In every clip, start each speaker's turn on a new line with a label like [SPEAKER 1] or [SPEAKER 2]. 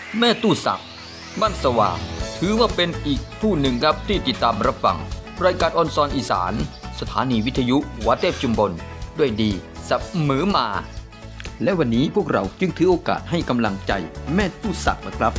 [SPEAKER 1] แม่ตู้สักบ้านสว่างถือว่าเป็นอีกผู้หนึ่งครับที่ติดตามรับฟังรายการออนซอนอีสานสถานีวิทยุวัดเทพชุมพลด้วยดีเสมอมา และวันนี้พวกเราจึงถือโอกาสให้กำลังใจแม่ตู้สักนะครับ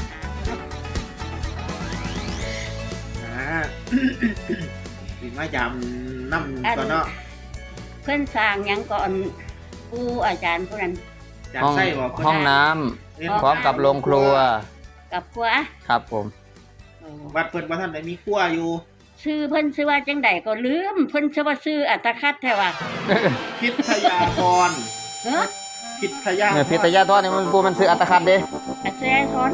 [SPEAKER 2] สิมายำน้ำก่อนเนาะ
[SPEAKER 3] เพิ่นสร้างหยังก่อนผู้อาจารย์ผู้นั้น
[SPEAKER 2] จาก
[SPEAKER 1] ห้อง
[SPEAKER 2] ไส้บ่
[SPEAKER 1] ห้องน้ำพร้อมกับโรงครัว
[SPEAKER 3] กับครัว
[SPEAKER 1] ครับผม
[SPEAKER 2] วัดเพิ่นบ่ทันได้มีครัวอยู่
[SPEAKER 3] ชื่อเพิ่นชื่อว่าจังใดก็ลืมเพิ่นชื่อว่าชื่ออัตคัดแท้ว่า
[SPEAKER 2] พิทยาธร
[SPEAKER 3] เฮ้อ
[SPEAKER 2] พิทยา
[SPEAKER 1] พิทยาทอดนี่มันปูมันซื้ออัตคัดเด้
[SPEAKER 3] อาจารย์สอน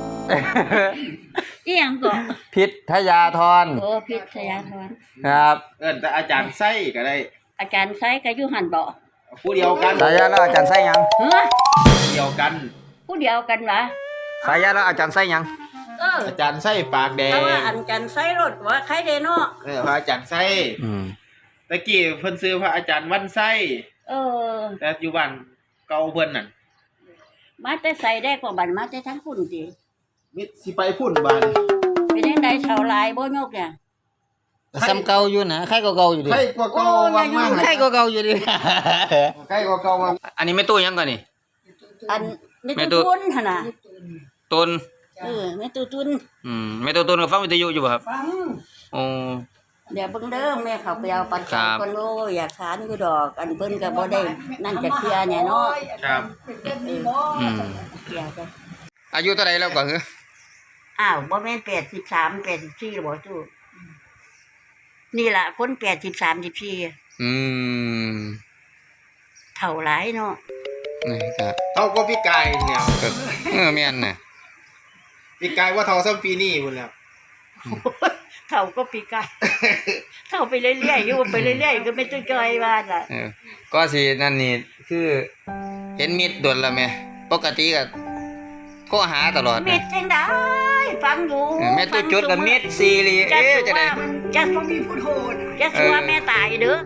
[SPEAKER 3] อีหยังก็
[SPEAKER 1] พิทยาทร
[SPEAKER 3] โอ้พิทยาธร
[SPEAKER 1] ครับ
[SPEAKER 2] เอิ้นแต่อาจารย์ไส้ก็ได้
[SPEAKER 3] อาจารย์ไสก็อยู่หั่นบ่
[SPEAKER 2] ผู้เดียวกัน
[SPEAKER 1] สายาแล้วอาจารย์ไส้ยัง
[SPEAKER 3] เฮ้อ
[SPEAKER 2] เดียวกัน
[SPEAKER 3] ผู้เดียวกันวะ
[SPEAKER 1] สายาแล้วอาจารย์ไส้ยัง
[SPEAKER 2] อาจารย์ไส้ปากแดง
[SPEAKER 3] เพราะว่าอันกันไสรถว่าใครได้เนาะ
[SPEAKER 2] พระอาจารย์ไส้ ตะกี้เพิ่นซื้อพระอาจารย์วันไส้
[SPEAKER 3] เออ
[SPEAKER 2] แต่อยู่บ้านเก่าเพิ่นนั่น
[SPEAKER 3] มาแต่ใส่ได้กว่าบันมาแต่ทั้งคุณติ
[SPEAKER 2] มิสิไปพุ่นบ้าน
[SPEAKER 3] เป็นจังไดเท่าหลายบ่ยกเนี่ย
[SPEAKER 1] ซ้ำเก่าอยู่นะใครก็เก่าอยู่ดิ
[SPEAKER 2] ใครกว่าเก่าว่างมาก
[SPEAKER 1] ใครก็เก่าอยู่ดิ
[SPEAKER 2] ใครกว่าเก่าว่าง
[SPEAKER 1] อันนี้ไม่ตู้ยังก่อนนี่
[SPEAKER 3] อันไม่
[SPEAKER 1] แม่
[SPEAKER 3] ตุ
[SPEAKER 1] ตุ๊
[SPEAKER 3] ตุนหั่นน่ะ
[SPEAKER 1] ตุน
[SPEAKER 3] ไม่ตุตุน
[SPEAKER 1] ไม่ตู้ตุนกับฟังวิทยุอยู่ป่ะครับ
[SPEAKER 3] ฟัง
[SPEAKER 1] โอ้
[SPEAKER 3] เดี๋ยวเบิ่งเด้อแม่เขาไปเอาปัจ
[SPEAKER 1] ครั
[SPEAKER 3] จัย
[SPEAKER 1] บ
[SPEAKER 3] คนโลอยากทานอยู่ดอก อันเพิ่นก็บ่ได้นั่นจะเคลียร์เนี่ยเนาะ
[SPEAKER 2] ครับ
[SPEAKER 1] อืม
[SPEAKER 3] เคลียร์กัน
[SPEAKER 1] อายุเท่าไหร่แล้วก่อนเหรอ
[SPEAKER 3] อ้าวบ่แม่น83 84หรอบ่จูนี่ล่ะคน83 14
[SPEAKER 1] อืม
[SPEAKER 3] เท่าหลายเนาะ
[SPEAKER 1] นี่ครับ
[SPEAKER 2] เท่าก็พี่กายเนี่ย
[SPEAKER 1] แม่นน่ะ
[SPEAKER 2] พี่กายว่าเท่าซ้ำปีนี้พุ่นแล้ว
[SPEAKER 3] เท่าก็ปีกายเท่าไปเรื่อยๆอยู่ไปเรื่อยๆก็ไม่ต้องจอยว่าน่ะ
[SPEAKER 1] ก็สินั่นนี่คือเห็นมิดโดนแล้วแม่ปกติก็โทรหาตลอด
[SPEAKER 3] มิดจังได้ฟังอยู่
[SPEAKER 1] แม่ตู้จุดกับมิดซีรี
[SPEAKER 3] จะ
[SPEAKER 1] จะได้
[SPEAKER 3] จะบ่มีผู้โทษจะสัวแม่ตายเด้อ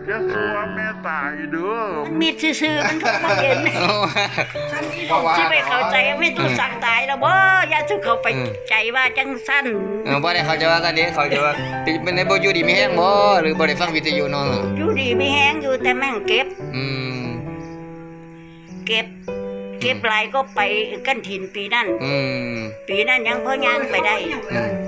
[SPEAKER 3] มันมีซื่อๆมันทุกข์มันเย็นสิไปเข้าใจไม่ต้องสั่งตายแล้วบ่อย่าสุเข้าไปใจว่าจังซั่น
[SPEAKER 1] บ่ได้เขาจะว่ากันเด้เขาจะว่าเป็นในบ่อยู่ดีมีแฮงบ่หรือบ่ได้ฟังวิทยุเนาะ
[SPEAKER 3] อยู่ดีมีแฮงอยู่แต่แม่งเก็บ
[SPEAKER 1] อืม
[SPEAKER 3] เก็บหลายก็ไปกันถิ่นปีนั้น
[SPEAKER 1] อืม
[SPEAKER 3] ปีนั้นยังพอย่างไปได้
[SPEAKER 1] อืม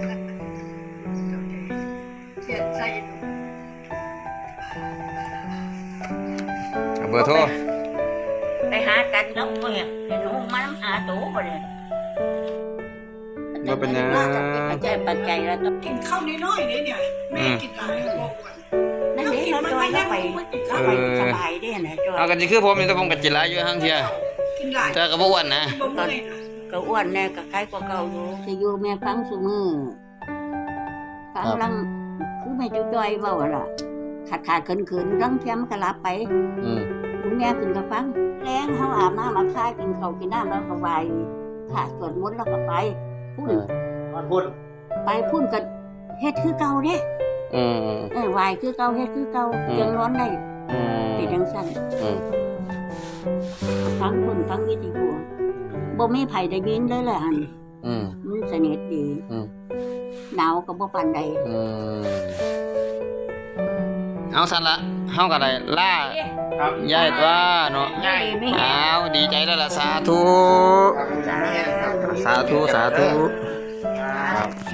[SPEAKER 1] เบอร์โทร
[SPEAKER 3] ไปหากันแล้วเพิ่นเห็นหนูมาน้ำหาตูบ่ได้
[SPEAKER 1] บ่เป็นหยัง
[SPEAKER 3] ปัจจัยแล้วต้อง
[SPEAKER 4] กินข้าวน้อยๆเนี่ยแม่กินหลายบอกว่า
[SPEAKER 3] นั่นเองเราจอยเข้าไปสบายได้นะจอย
[SPEAKER 1] เอากันสิคือผมนี่แต่ผมก็จิหลายอยู่หั่งเที่ย
[SPEAKER 4] กินหลาย
[SPEAKER 1] แต่ก็บ่อ้วนนะ
[SPEAKER 4] บ่เมื่อย
[SPEAKER 3] ก็อ้วนแน่ก็ใครก็เก่าอยู่สิอยู่แม่ฟังซุมื้อฟังลังคือแม่จุจอยเว้าล่ะขาดๆขืนๆรังเทียมก็หลับไป
[SPEAKER 1] อืม
[SPEAKER 3] ลุงแม่ขึ้นก็ฟังแรงเฮาอาบน้ำมาคายกินข้าวกินน้ำแล้วก็ไหว้พระสวดมนต์แล้วก็ไปพุ่น
[SPEAKER 2] บ้านพุ่น
[SPEAKER 3] ไปพุ่นก็เฮ็ดคือเก่าเด้
[SPEAKER 1] อืม
[SPEAKER 3] ไหว้คือเก่าเฮ็ดคือเก่า
[SPEAKER 1] อืม
[SPEAKER 3] ยังร้อนได้
[SPEAKER 1] อืม
[SPEAKER 3] เป็นจังซั่น
[SPEAKER 1] อืม
[SPEAKER 3] ฟังพุ่นฟังวิทยุบ่มีไผได้ยินเลยแหละอัน
[SPEAKER 1] อืม
[SPEAKER 3] มันสนิทดี
[SPEAKER 1] อืม
[SPEAKER 3] หนาวก็บ่ปานใด
[SPEAKER 1] อืมเอาสั่นละเฮาก็ได้ล่า
[SPEAKER 2] ครับ
[SPEAKER 1] ยายตัวเนาะ
[SPEAKER 3] ยายไม่
[SPEAKER 1] อ้าวดีใจแล้วล่ะสาธุ
[SPEAKER 2] ครับ
[SPEAKER 1] สาธุ สาธุ
[SPEAKER 2] ครับ